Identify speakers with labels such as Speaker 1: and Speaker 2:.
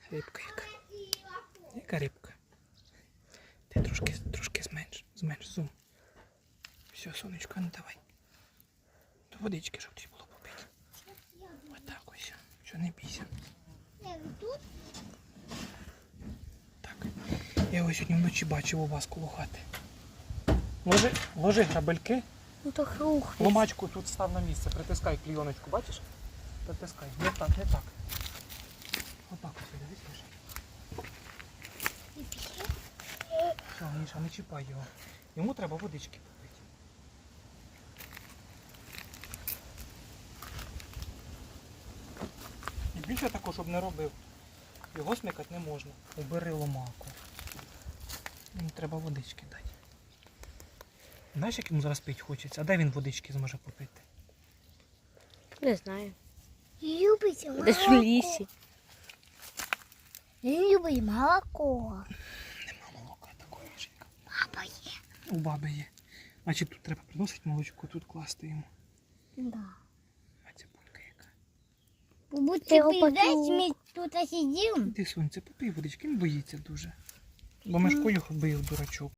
Speaker 1: Рибка яка. Яка рибка? Ти трошки зменш зум. Все, сонечко, ну давай. До водички, щоб тобі було попити. Отак ось. Що, не бійся. Так. Я ось сьогодні вночі бачив у вас коло хати. Ложи грабельки.
Speaker 2: Ну то рух.
Speaker 1: Ломачку тут став на місце. Притискай клійоночку, бачиш? Притискай. Не так. Отак ось, дивись, Міша. Все, Міша, не чіпай його. Йому треба водички попити. І більше такого, щоб не робив. Його смикати не можна. Убери ломаку. Йому треба водички дати. Знаєш, як йому зараз пити хочеться? А де він водички зможе попити?
Speaker 2: Не знаю.
Speaker 3: Любить молоко.
Speaker 2: Десь в лісі.
Speaker 3: Він любить молоко.
Speaker 1: Нема молока такої жінка.
Speaker 3: Папа є.
Speaker 1: У баби є. Значить тут треба приносити молочко, тут класти йому.
Speaker 3: Да.
Speaker 1: А цибулька яка.
Speaker 3: Будьте
Speaker 2: його
Speaker 3: підеш, ми тут сидимо.
Speaker 1: Іди, сонце, попий водички, він боїться дуже. Бо Мишко його бив, дурачок.